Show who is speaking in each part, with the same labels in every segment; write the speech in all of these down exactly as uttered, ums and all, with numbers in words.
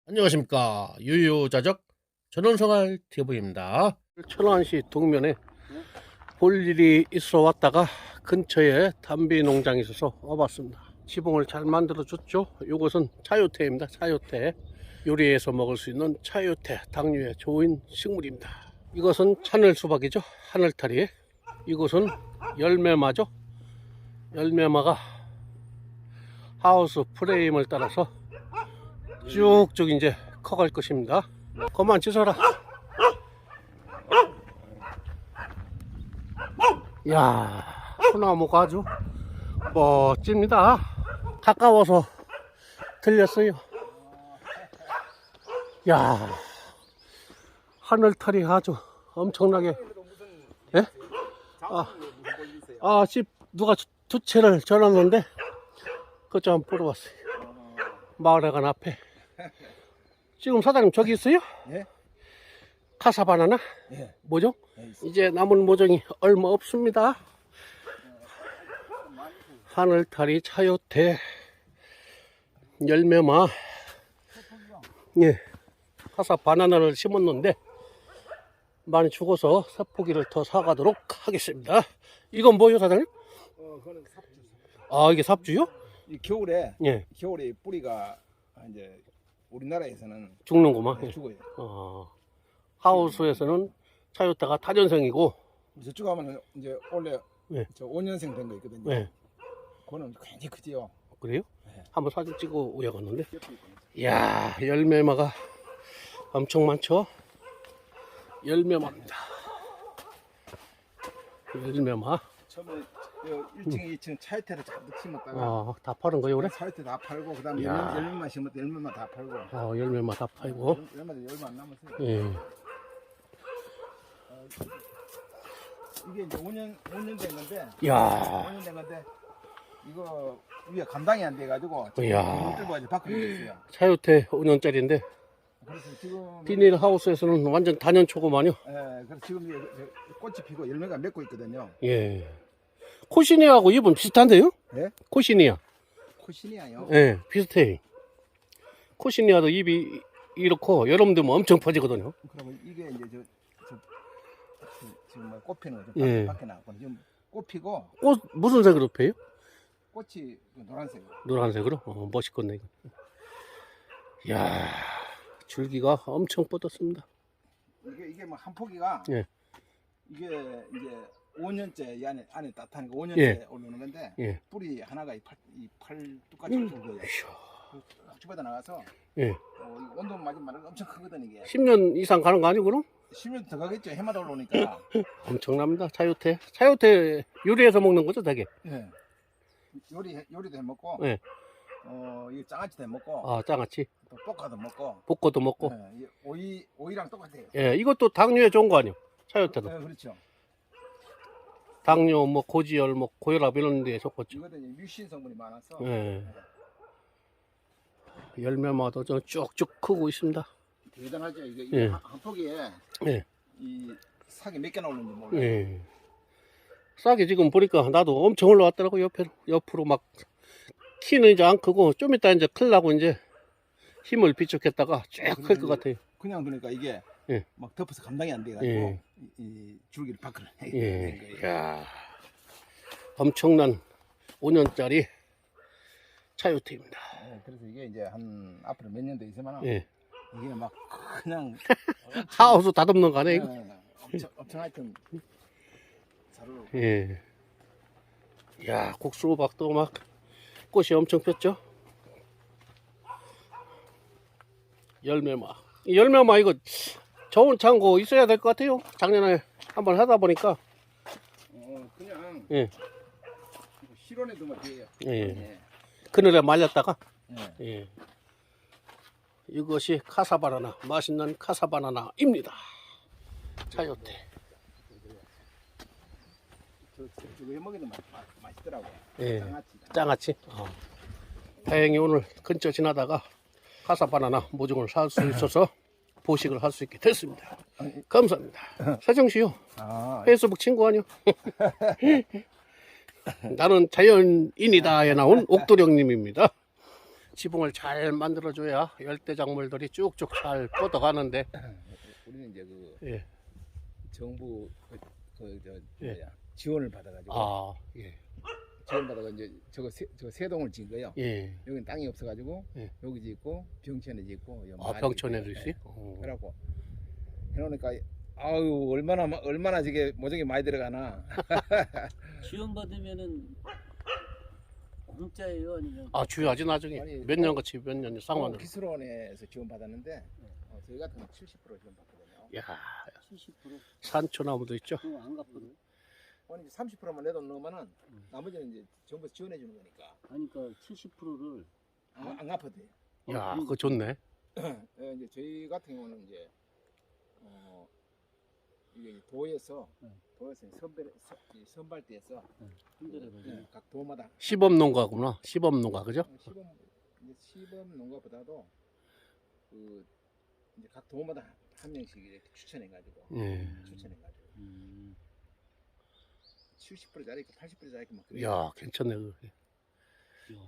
Speaker 1: 안녕하십니까. 유유자적 전원생활 티비입니다. 천안시 동면에 볼 일이 있어 왔다가 근처에 담배 농장이 있어서 와봤습니다. 지붕을 잘 만들어 줬죠. 이것은 차요태입니다. 차요태. 요리해서 먹을 수 있는 차요태, 당뇨에 좋은 식물입니다. 이것은 하늘 수박이죠. 하늘타리. 이것은 열매마죠. 열매마가 하우스 프레임을 따라서 쭉쭉 이제 커갈 것입니다. 그만 짖어라. 야, 소나무가 아주 멋집니다. 가까워서 들렸어요. 야, 하늘탈이 아주 엄청나게. 예? 아, 아, 집 누가 두 채를 전놨는데 그것 좀 한번 보러 왔어요. 마을회관 앞에. 지금 사장님 저기 있어요?
Speaker 2: 예?
Speaker 1: 카사바나나?
Speaker 2: 예.
Speaker 1: 모종?
Speaker 2: 예,
Speaker 1: 이제 남은 모종이 얼마 없습니다. 하늘타리 차요태 열매마. 예. 카사바나나를 심었는데 많이 죽어서 사포기를 더 사가도록 하겠습니다. 이건 뭐요, 사장님?
Speaker 2: 어, 그거는 삽주.
Speaker 1: 아, 이게 삽주요?
Speaker 2: 이 겨울에
Speaker 1: 예.
Speaker 2: 겨울에 뿌리가 이제 우리나라에서는
Speaker 1: 죽는구만. 예.
Speaker 2: 죽어요.
Speaker 1: 어, 하우스에서는 차요태가 타전생이고.
Speaker 2: 저쪽 하면 이제 원래
Speaker 1: 예.
Speaker 2: 저 오 년생 된 거 있거든요.
Speaker 1: 예.
Speaker 2: 그거는 굉장히 크지요.
Speaker 1: 그래요?
Speaker 2: 네.
Speaker 1: 한번 사진 찍어 오야겠는데. 이야, 열매마가 엄청 많죠? 열매마입니다. 열매마.
Speaker 2: 처음에 일 층에 이 층 차이테를 잔뜩 심었다가
Speaker 1: 아, 다 파는 거예요, 그래?
Speaker 2: 차이테 다 팔고 그다음에
Speaker 1: 야.
Speaker 2: 열매, 열매만 심었다 열매만 다 팔고.
Speaker 1: 어, 열매마 다 팔고.
Speaker 2: 열매도 열매 안 남았어요.
Speaker 1: 예.
Speaker 2: 어, 이게 이제 오 년 오 년 된 건데.
Speaker 1: 이야.
Speaker 2: 오 년 된 건데 이거 위에 감당이 안 돼가지고
Speaker 1: 이야.
Speaker 2: 못 들고 이제 밖으로 됐어요.
Speaker 1: 차요태 오 년짜리인데
Speaker 2: 그래서 지금
Speaker 1: 비닐 하우스에서는 완전 단연초구만요.
Speaker 2: 예, 그래서 지금 이제 꽃이 피고 열매가 맺고 있거든요.
Speaker 1: 예. 코시니아하고 잎은 비슷한데요?
Speaker 2: 예?
Speaker 1: 코시니아.
Speaker 2: 코시니아요.
Speaker 1: 예, 비슷해. 코시니아도 잎이 이렇고 여름 되면 엄청 퍼지거든요.
Speaker 2: 그러면 이게 이제 저, 저, 저 지금 뭐 꽃 피는 거죠.
Speaker 1: 예.
Speaker 2: 밖에 나왔고 지금 꽃 피고
Speaker 1: 꽃 무슨 색으로 펴요?
Speaker 2: 꽃이 노란색.
Speaker 1: 노란색으로? 어, 멋있겠네. 이야, 줄기가 엄청 뻗었습니다.
Speaker 2: 이게 이게 뭐 한 포기가
Speaker 1: 예.
Speaker 2: 이게 이제 오 년째 이 안에 안에 따뜻하니까 오 년째
Speaker 1: 예.
Speaker 2: 오르는 건데
Speaker 1: 예.
Speaker 2: 뿌리 하나가 이팔이 팔뚝까지
Speaker 1: 음.
Speaker 2: 굵어요. 쭉 뻗어 나가서
Speaker 1: 예.
Speaker 2: 어, 이 온도 맞으면 말은 엄청 크거든 이게.
Speaker 1: 십 년 이상 가는 거 아니고 그럼?
Speaker 2: 십 년 더 가겠죠. 해마다 올라오니까.
Speaker 1: 엄청납니다. 차요태. 차요태 요리해서 먹는 거죠, 되게?
Speaker 2: 예. 요리 요리도 해 먹고,
Speaker 1: 예.
Speaker 2: 어, 이 장아찌도 해 먹고,
Speaker 1: 아, 장아찌.
Speaker 2: 또 볶아도 먹고,
Speaker 1: 볶고도 먹고.
Speaker 2: 예, 이 오이 오이랑 똑같아요.
Speaker 1: 예, 이것도 당뇨에 좋은 거 아니에요? 차요태도.
Speaker 2: 예, 그렇죠.
Speaker 1: 당뇨, 뭐 고지혈, 뭐 고혈압 이런 데에 좋겠죠.
Speaker 2: 이것도 이제 뮤신 성분이 많아서
Speaker 1: 예. 열매마도 좀 쭉쭉 크고 있습니다.
Speaker 2: 대단하죠. 이게, 이게
Speaker 1: 예.
Speaker 2: 한, 한 포기에
Speaker 1: 예.
Speaker 2: 이 삭이 몇 개나 오는지 몰라요.
Speaker 1: 예. 싹이 지금 보니까 나도 엄청 올라왔더라고. 옆에 옆으로 막 키는 이제 안 크고 좀 이따 이제 클라고 이제 힘을 비축했다가 쭉 클 것 같아요.
Speaker 2: 그냥 두니까 이게
Speaker 1: 예.
Speaker 2: 막 덮어서 감당이 안 돼가지고
Speaker 1: 예.
Speaker 2: 이, 이 줄기를 밖으로 해야
Speaker 1: 예.
Speaker 2: 되는 거예요.
Speaker 1: 야, 엄청난 오 년짜리 차요태입니다.
Speaker 2: 예, 그래서 이게 이제 한 앞으로 몇 년 더 있으면
Speaker 1: 예.
Speaker 2: 이게 막 그냥
Speaker 1: 하우스 다듬는 거 아니에요? 이거?
Speaker 2: 예, 예, 엄청 엄청 하여튼 잘 올라.
Speaker 1: 예. 야, 국수박도 막 꽃이 엄청 폈죠? 열매마. 이 열매마 이거 좋은 창고 있어야 될 것 같아요. 작년에 한번 하다 보니까.
Speaker 2: 어 그냥
Speaker 1: 예.
Speaker 2: 실온에 두면 돼요.
Speaker 1: 예.
Speaker 2: 예.
Speaker 1: 그늘에 말렸다가.
Speaker 2: 예.
Speaker 1: 예. 이것이 카사바나나, 맛있는 카사바나나입니다. 차요태.
Speaker 2: 저, 저, 저거 해 먹이는 맛, 맛, 맛있더라고요.
Speaker 1: 예.
Speaker 2: 장아찌.
Speaker 1: 장아찌. 어. 다행히 오늘 근처 지나다가 카사바나나 모종을 살 수 있어서 보식을 할 수 있게 됐습니다. 감사합니다. 세정씨요.
Speaker 2: 아,
Speaker 1: 페이스북 친구 아니요? 나는 자연인이다에 나온 옥도령님입니다. 지붕을 잘 만들어줘야 열대작물들이 쭉쭉 잘 뻗어가는데.
Speaker 2: 우리는 이제 그
Speaker 1: 예.
Speaker 2: 정부 그저
Speaker 1: 예.
Speaker 2: 뭐야 지원을 받아가지고
Speaker 1: 아, 예.
Speaker 2: 지원 받아가 이제 저거 세, 저 세 동을 지은 거예요.
Speaker 1: 예.
Speaker 2: 여기는 땅이 없어가지고
Speaker 1: 예.
Speaker 2: 여기 짓고 병천에 짓고 여
Speaker 1: 아,
Speaker 2: 마을에
Speaker 1: 병천에도
Speaker 2: 짓고,
Speaker 1: 있어요?
Speaker 2: 예.
Speaker 1: 어.
Speaker 2: 그래갖고 해놓으니까 아유 얼마나 마- 얼마나 저게 모종이 많이 들어가나.
Speaker 3: 지원 받으면은 공짜예요, 아니면?
Speaker 1: 아, 주요하지 나중에.
Speaker 2: 아니,
Speaker 1: 몇 년같이 몇 년 쌍만으로.
Speaker 2: 기술원에서 지원 받았는데 어, 저희 같은 건 칠십 퍼센트 지원 받거든요.
Speaker 1: 야,
Speaker 3: 칠십 퍼센트?
Speaker 1: 산초나무도 있죠.
Speaker 3: 그거 안 갚거든.
Speaker 2: 아니 이제 삼십 퍼센트만 내도 넣으면은 나머지는 이제 정부에서 지원해 주는 거니까
Speaker 3: 아니, 그러니까 칠십 퍼센트를
Speaker 2: 안, 안 갚아도 돼요.
Speaker 1: 야,
Speaker 3: 음.
Speaker 1: 그거 좋네.
Speaker 2: 예, 이제 저희 같은 경우는 이제 어 이게 도에서
Speaker 3: 네.
Speaker 2: 도에서 선발 선- 이 선발대에서
Speaker 3: 힘들어가지고.
Speaker 2: 예, 각 도마다
Speaker 1: 시범 농가구나. 시범 농가, 그죠?
Speaker 2: 어, 시범 이제 시범 농가보다도 그 이제 각 도마다 한 명씩 이렇게 추천해 가지고
Speaker 1: 예.
Speaker 2: 추천해 가지고
Speaker 3: 음.
Speaker 2: 칠십 퍼센트짜리 있고 팔십 퍼센트짜리 있고 막 그래요.
Speaker 1: 야, 괜찮네. 그게.
Speaker 3: 이야.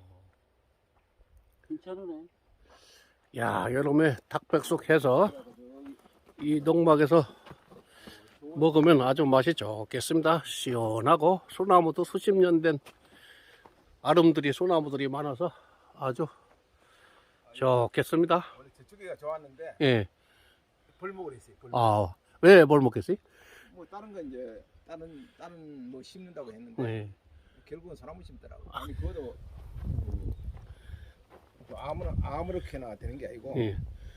Speaker 3: 괜찮으네.
Speaker 1: 야, 여름에 닭백숙 해서
Speaker 2: 그래가지고 여기
Speaker 1: 이 농막에서 먹으면 아주 맛이 좋겠습니다. 시원하고 소나무도 수십 년 된 아름드리 소나무들이 많아서 아주 좋겠습니다.
Speaker 2: 원래 저쪽이가 좋았는데
Speaker 1: 예.
Speaker 2: 벌목을 했어요. 벌목.
Speaker 1: 아, 왜 뭘 먹겠어요?
Speaker 2: 뭐 다른 거 이제 다른 다른 뭐 심는다고 했는데
Speaker 1: 네.
Speaker 2: 결국은 소나무 심더라고. 아니 그것도 그, 그 아무나 아무렇게나 되는 게 아니고
Speaker 1: 예.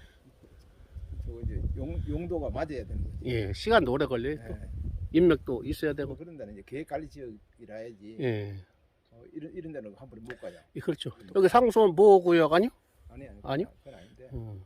Speaker 2: 저 이제 용, 용도가 맞아야 되는 거지.
Speaker 1: 예. 시간도 오래 걸려요. 또.
Speaker 2: 예.
Speaker 1: 인맥도 있어야 되고.
Speaker 2: 그런 데는 이제 계획 관리 지역이라 해야지.
Speaker 1: 예.
Speaker 2: 어, 이런 이런 데는 한 번에 못 가요.
Speaker 1: 예, 그렇죠. 여기 상수원 보호구역 아니요?
Speaker 2: 아니 아니.
Speaker 1: 아니요?
Speaker 2: 그건 아닌데.
Speaker 1: 음.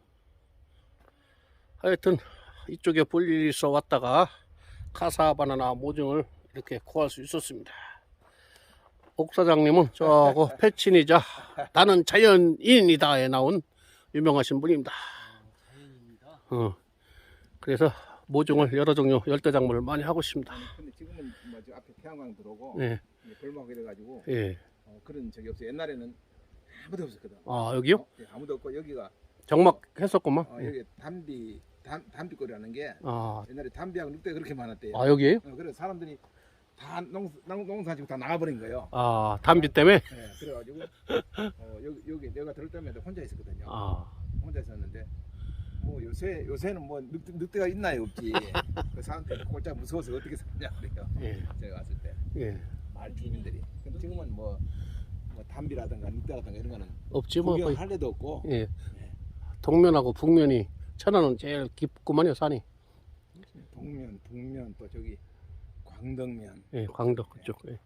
Speaker 1: 하여튼 이쪽에 볼 일이 있어 왔다가 카사바나나 모종을 이렇게 구할 수 있었습니다. 옥 사장님은 저거 패친이자 나는 자연인이다에 나온 유명하신 분입니다.
Speaker 3: 자연입니다.
Speaker 1: 어. 그래서 모종을 여러 종류 열대작물을 많이 하고 있습니다.
Speaker 2: 아니 근데 지금은 뭐저 앞에 태양광 들어오고
Speaker 1: 예,
Speaker 2: 이제 벌목 이래가지고
Speaker 1: 예.
Speaker 2: 어, 그런 적이 없어요. 옛날에는 아무도 없었거든.
Speaker 1: 아 여기요?
Speaker 2: 어, 예, 아무도 없고 여기가
Speaker 1: 정막 했었구만.
Speaker 2: 어,
Speaker 1: 예.
Speaker 2: 여기 담비 담 담비거리라는 게
Speaker 1: 아,
Speaker 2: 옛날에 담비하고 늑대 그렇게 많았대요.
Speaker 1: 아 여기에요?
Speaker 2: 어, 그래서 사람들이 다 농, 농, 농사 지고 다 나가버린 거예요.
Speaker 1: 아 담비 때문에?
Speaker 2: 예, 그래가지고 어, 여기 여기 내가 들을 때마다 혼자 있었거든요.
Speaker 1: 아,
Speaker 2: 혼자 있었는데 뭐 요새 요새는 뭐 늑대, 늑대가 있나요 없지. 그 사람들이 꼴짝 무서워서 어떻게 사냐 그래요.
Speaker 1: 예,
Speaker 2: 제가 왔을 때
Speaker 1: 예.
Speaker 2: 마을 주민들이. 근데 지금은 뭐, 뭐 담비라든가 늑대라든가 이런 거는
Speaker 1: 없지 뭐. 거의.
Speaker 2: 구경할 데도 없고.
Speaker 1: 예. 동면하고 북면이 천안은 제일 깊구만요 산이.
Speaker 2: 동면, 북면 또 저기 광덕면.
Speaker 1: 예, 광덕 그쪽. 예.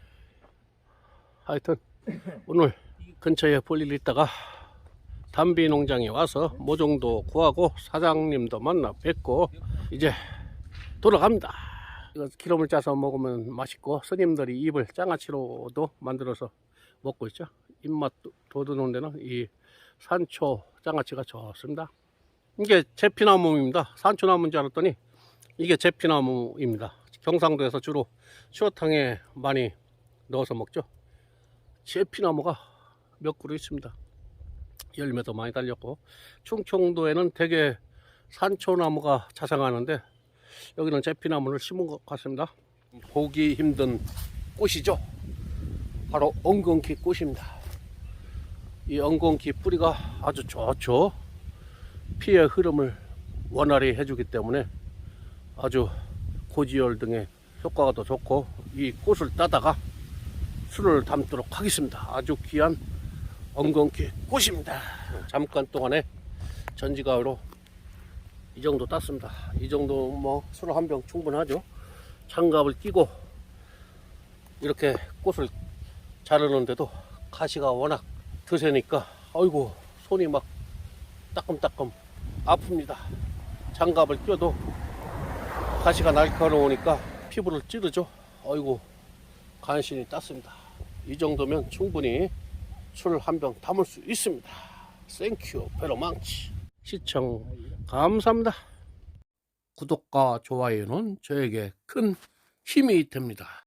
Speaker 1: 하여튼 오늘 근처에 볼 일 있다가 담비 농장에 와서 모종도 구하고 사장님도 만나 뵙고 이제 돌아갑니다. 이거 기름을 짜서 먹으면 맛있고 스님들이 입을 장아찌로도 만들어서 먹고 있죠. 입맛 돋우는 데는 이 산초 장아찌가 좋습니다. 이게 제피나무입니다. 산초나무인 줄 알았더니 이게 제피나무입니다. 경상도에서 주로 추어탕에 많이 넣어서 먹죠. 제피나무가 몇 그루 있습니다. 열매도 많이 달렸고 충청도에는 대개 산초나무가 자생하는데 여기는 제피나무를 심은 것 같습니다. 보기 힘든 꽃이죠. 바로 엉겅퀴 꽃입니다. 이 엉겅퀴 뿌리가 아주 좋죠. 피의 흐름을 원활히 해주기 때문에 아주 고지혈 등의 효과가 더 좋고 이 꽃을 따다가 술을 담도록 하겠습니다. 아주 귀한 엉겅퀴 꽃입니다. 잠깐 동안에 전지가으로 이 정도 땄습니다. 이 정도 뭐 술 한 병 충분하죠. 장갑을 끼고 이렇게 꽃을 자르는데도 가시가 워낙 드세니까 아이고 손이 막 따끔따끔 아픕니다. 장갑을 껴도 가시가 날카로우니까 피부를 찌르죠. 아이고 간신히 땄습니다. 이 정도면 충분히 술 한 병 담을 수 있습니다. 땡큐 베로망치. 시청 감사합니다. 구독과 좋아요는 저에게 큰 힘이 됩니다.